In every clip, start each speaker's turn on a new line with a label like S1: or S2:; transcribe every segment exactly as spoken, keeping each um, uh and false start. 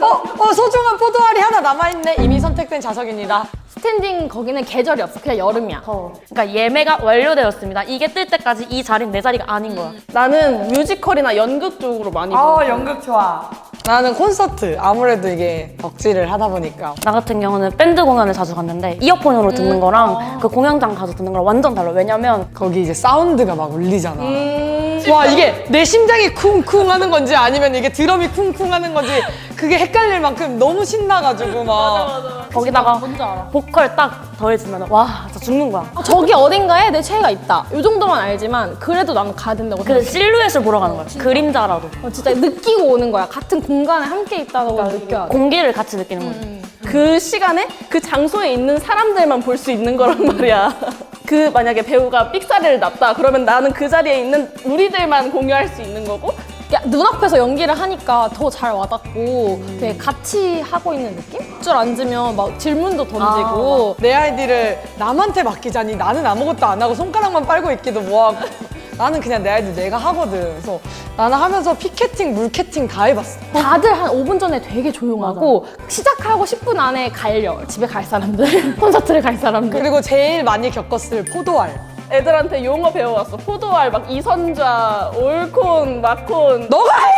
S1: 어? 어 소중한 포도알이 하나 남아있네. 이미 선택된 좌석입니다.
S2: 스탠딩 거기는 계절이 없어. 그냥 여름이야.
S3: 어. 그러니까 예매가 완료되었습니다. 이게 뜰 때까지 이 자리는 내 자리가 아닌 거야.
S4: 나는 뮤지컬이나 연극 쪽으로 많이
S1: 아
S4: 봐.
S1: 연극 좋아. 나는 콘서트. 아무래도 이게 덕질을 하다 보니까.
S3: 나 같은 경우는 बैं드 공연을 자주 갔는데 이어폰으로 듣는 거랑 그 공연장 가서 듣는 거랑 완전 달라. 왜냐면
S1: 거기 이제 사운드가 막 울리잖아. 와 이게 내 심장이 쿵쿵 하는 건지 아니면 이게 드럼이 쿵쿵 하는 건지 그게 헷갈릴 만큼 너무 신나가지고 막.
S3: 거기다가
S2: 뭔지 알아.
S3: 보컬 딱 더해지면 와 진짜 죽는 거야.
S2: 아, 저기 어딘가에 내 최애가 있다. 이 정도만 알지만 그래도 나는 가야 된다고
S3: 그
S2: 생각해.
S3: 실루엣을 보러 가는 거야. 그림자라도.
S2: 어, 진짜 느끼고 오는 거야. 같은 공간에 함께 있다는 걸 느껴야 돼.
S3: 공기를 같이 느끼는 거지.
S4: 그 시간에 그 장소에 있는 사람들만 볼 수 있는 거란 말이야. 그 만약에 배우가 삑사리를 났다 그러면 나는 그 자리에 있는 우리들만 공유할 수 있는 거고
S2: 야, 눈앞에서 연기를 하니까 더 잘 와닿고 되게 같이 하고 있는 느낌? 줄 앉으면 막 질문도 던지고
S1: 내 아이디를 남한테 맡기자니 나는 아무것도 안 하고 손가락만 빨고 있기도 뭐하고 나는 그냥 내 아이디 내가 하거든. 그래서 나는 하면서 피켓팅, 물캐팅 다 해봤어.
S2: 다들 한 오 분 전에 되게 조용하고 시작하고 십 분 안에 갈려. 집에 갈 사람들, 콘서트를 갈 사람들.
S1: 그리고 제일 많이 겪었을 포도알.
S4: 애들한테 용어 배워왔어. 포도알 막 이선좌, 올콘, 마콘.
S1: 너가 해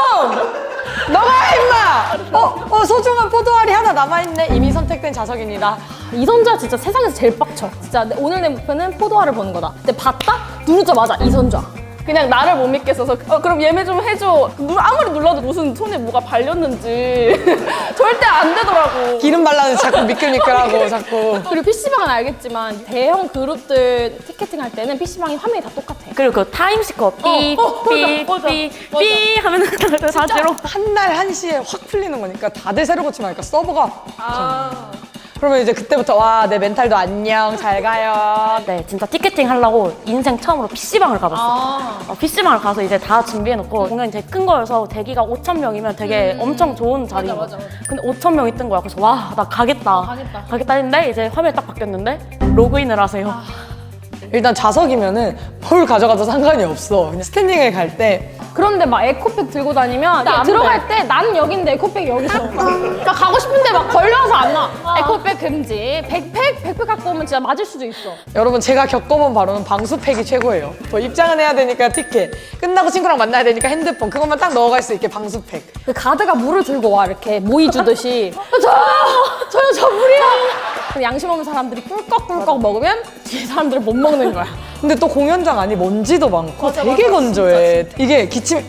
S1: 좀! 너가 해 임마! 어? 어 소중한 포도알이 하나 남아있네. 이미 선택된 좌석입니다.
S2: 이선주가 진짜 세상에서 제일 빡쳐. 진짜 내- 오늘 내 목표는 포도알을 보는 거다. 근데 봤다? 누르자마자 이선주야.
S4: 그냥 나를 못 믿겠어서 어, 그럼 예매 좀 해줘. 누- 아무리 눌러도 무슨 손에 뭐가 발렸는지 절대 안 되더라고.
S1: 기름 발라서 자꾸 미끌미끌하고 자꾸.
S2: 그리고 피시방은 알겠지만 대형 그룹들 티켓팅 할 때는 피시방이 화면이 다 똑같아.
S3: 그리고 그 타임시커 삐,
S2: 어, 어,
S3: 삐,
S2: 맞아,
S3: 삐,
S2: 맞아.
S3: 삐 하면은 다 제로.
S1: 한 날 한시에 확 풀리는 거니까 다들 새로 고침하니까 서버가.
S4: 아.
S1: 그러면 이제 그때부터 와 내 멘탈도 안녕 잘 가요.
S3: 네, 진짜 티켓팅 하려고 인생 처음으로 피시방을 가봤어.
S2: 아.
S3: 어, 피시방을 가서 이제 다 준비해놓고 공연이 되게 큰 거여서 대기가 오천 명이면 되게 엄청 좋은 자리인 거야.
S2: 맞아, 맞아.
S3: 근데 오천 명이 뜬 거야. 그래서 와, 나 가겠다.
S2: 가겠다.
S3: 가겠다 했는데 이제 화면이 딱 바뀌었는데 로그인을 하세요.
S1: 일단 좌석이면은 뭘 가져가도 상관이 없어. 그냥 스탠딩을 갈 때
S2: 그런데 막 에코백 들고 다니면
S3: 안
S2: 들어갈 때 나는 여긴데 에코백이 여기서 그러니까 가고 싶은데 막 걸려서 안 나. 에코백 금지. 백팩? 백팩 갖고 오면 진짜 맞을 수도 있어.
S1: 여러분 제가 겪어본 바로는 방수팩이 최고예요. 뭐 입장은 해야 되니까 티켓, 끝나고 친구랑 만나야 되니까 핸드폰, 그것만 딱 넣어갈 수 있게 방수팩.
S2: 그 가드가 물을 들고 와 이렇게 모이 주듯이 저요! 저요 저 물이요! 근데 양심 없는 사람들이 꿀꺽꿀꺽 먹으면 뒤에 사람들은 못 먹는 거야.
S1: 근데 또 공연장 안이 먼지도 많고 되게 건조해. 이게 기침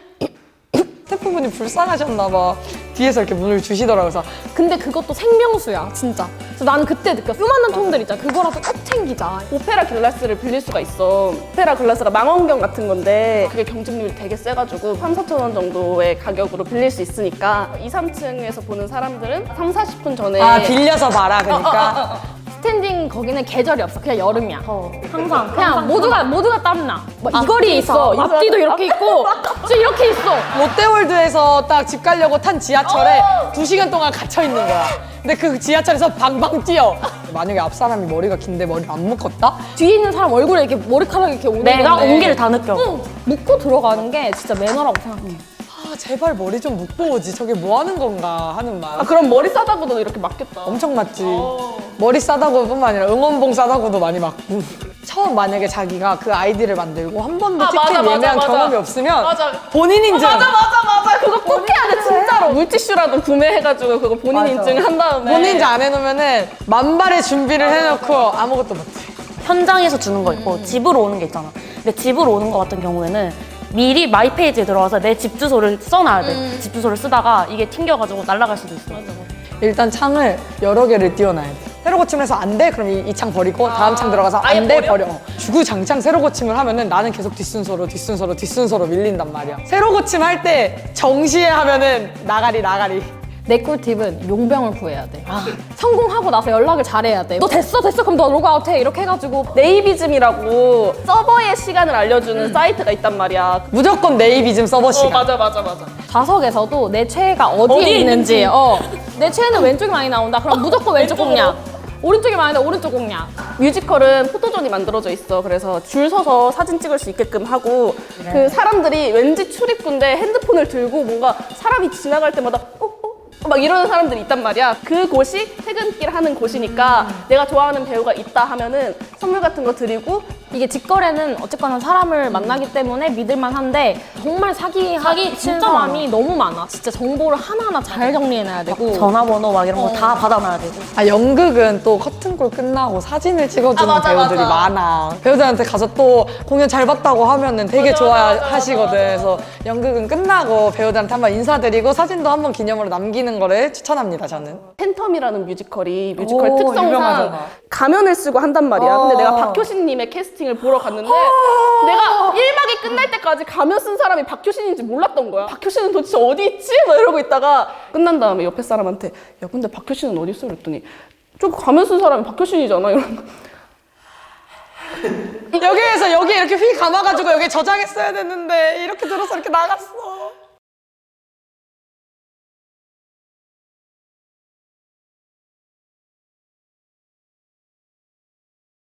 S1: 스태프분이 불쌍하셨나 봐. 뒤에서 이렇게 문을 주시더라고요. 그래서
S2: 근데 그것도 생명수야 진짜. 그래서 나는 그때 느꼈어. 요만한 통들 있잖아. 그거라도 꼭 챙기자.
S4: 오페라 글라스를 빌릴 수가 있어. 오페라 글라스가 망원경 같은 건데 그게 경쟁률이 되게 세가지고 삼, 사천 원 정도의 가격으로 빌릴 수 있으니까 이, 삼 층에서 보는 사람들은 삼, 사십 분 전에
S1: 아 빌려서 봐라 그러니까.
S2: 스탠딩 거기는 계절이 없어. 그냥 여름이야.
S3: 어, 항상
S2: 그냥
S3: 항상
S2: 모두가 모두가 땀나. 뭐 이 거리에
S3: 앞뒤에서,
S2: 있어. 앞뒤도 이렇게 있고, 진짜 이렇게 있어.
S1: 롯데월드에서 딱 집 가려고 탄 지하철에 두 시간 동안 갇혀 있는 거야. 근데 그 지하철에서 방방 뛰어. 만약에 앞 사람이 머리가 긴데 머리를 안 묶었다?
S2: 뒤에 있는 사람 얼굴에 이렇게 머리카락이 이렇게 오는
S3: 내가
S2: 건데
S3: 온기를 다 느껴.
S2: 응, 묶고 들어가는 게 진짜 매너라고 생각해.
S1: 아 제발 머리 좀 묶고 오지. 저게 뭐 하는 건가 하는 말.
S4: 아, 그럼 머리 싸다고도 이렇게 맞겠다.
S1: 엄청 맞지. 머리 싸다고 뿐만 아니라 응원봉 싸다고도 많이 맞고. 처음 만약에 자기가 그 아이디를 만들고 한 번도
S4: 아,
S1: 티켓
S4: 맞아, 맞아,
S1: 예매한
S4: 맞아.
S1: 경험이 없으면
S4: 맞아.
S1: 본인 인증.
S4: 맞아 맞아 맞아 그거 꼭 해야 돼 진짜로. 물티슈라도 구매해가지고 그거 본인
S1: 맞아.
S4: 인증 한 다음에
S1: 본인 인증 안 해놓으면은 만발의 준비를 해놓고 아무것도 못해.
S3: 현장에서 주는 거 있고 집으로 오는 게 있잖아. 근데 집으로 오는 거 같은 경우에는 미리 마이 페이지에 들어가서 내 집 주소를 써놔야 돼. 집 주소를 쓰다가 이게 튕겨가지고 날아갈 수도 있어.
S1: 일단 창을 여러 개를 띄워놔야 돼. 새로 고침을 해서 안 돼? 그럼 이 창 버리고 다음 창 들어가서
S4: 아예
S1: 안 돼?
S4: 버려?
S1: 버려. 어. 주구장창 새로 고침을 하면은 나는 계속 뒷순서로 뒷순서로 뒷순서로 밀린단 말이야. 새로 고침 할 때 정시에 하면은 나가리 나가리.
S2: 내 꿀팁은 용병을 구해야 돼. 성공하고 나서 연락을 잘해야 돼. 너 됐어 됐어 그럼 너 로그아웃해 이렇게 해가지고
S4: 네이비즘이라고 서버의 시간을 알려주는 사이트가 있단 말이야.
S1: 무조건 네이비즘 서버
S4: 어
S1: 시간.
S4: 맞아 맞아 맞아.
S2: 좌석에서도 내 최애가 어디에,
S3: 어디에
S2: 있는지,
S3: 있는지.
S2: 어. 내 최애는 왼쪽이 많이 나온다. 그럼 무조건 왼쪽 공략. 오른쪽이 많이 나온다. 오른쪽 공략.
S4: 뮤지컬은 포토존이 만들어져 있어. 그래서 줄 서서 사진 찍을 수 있게끔 하고 그 사람들이 왠지 출입구인데 핸드폰을 들고 뭔가 사람이 지나갈 때마다 어? 어? 막 이러는 사람들이 있단 말이야. 그 곳이 퇴근길 하는 곳이니까 내가 좋아하는 배우가 있다 하면은 선물 같은 거 드리고.
S2: 이게 직거래는 어쨌거나 사람을 만나기 때문에 믿을만 한데 정말 사기 사기 친
S3: 진짜
S2: 사람이 너무 많아. 진짜 정보를 하나하나 잘 정리해놔야 되고.
S3: 전화번호 막 이런 거 다 받아놔야 되고.
S1: 아, 연극은 또 커튼콜 끝나고 사진을 찍어주는
S4: 아, 맞아,
S1: 배우들이
S4: 맞아.
S1: 많아. 배우들한테 가서 또 공연 잘 봤다고 하면은 되게 좋아하시거든. 그래서 연극은 끝나고 배우들한테 한번 인사드리고 사진도 한번 기념으로 남기는 거를 추천합니다, 저는.
S4: 팬텀이라는 뮤지컬이 뮤지컬
S1: 오,
S4: 특성상
S1: 유명하잖아.
S4: 가면을 쓰고 한단 말이야. 근데
S1: 어.
S4: 내가 박효신님의 캐스팅을 보러 갔는데 내가 일 막이 끝날 때까지 가면 쓴 사람이 박효신인지 몰랐던 거야. 박효신은 도대체 어디 있지? 막 이러고 있다가 끝난 다음에 옆에 사람한테 야 근데 박효신은 어디 있어? 그랬더니 저 가면 쓴 사람이 박효신이잖아. 이러는 거.
S1: 여기에서 여기 이렇게 휘 감아가지고 여기 저장했어야 됐는데 이렇게 들어서 이렇게 나갔어.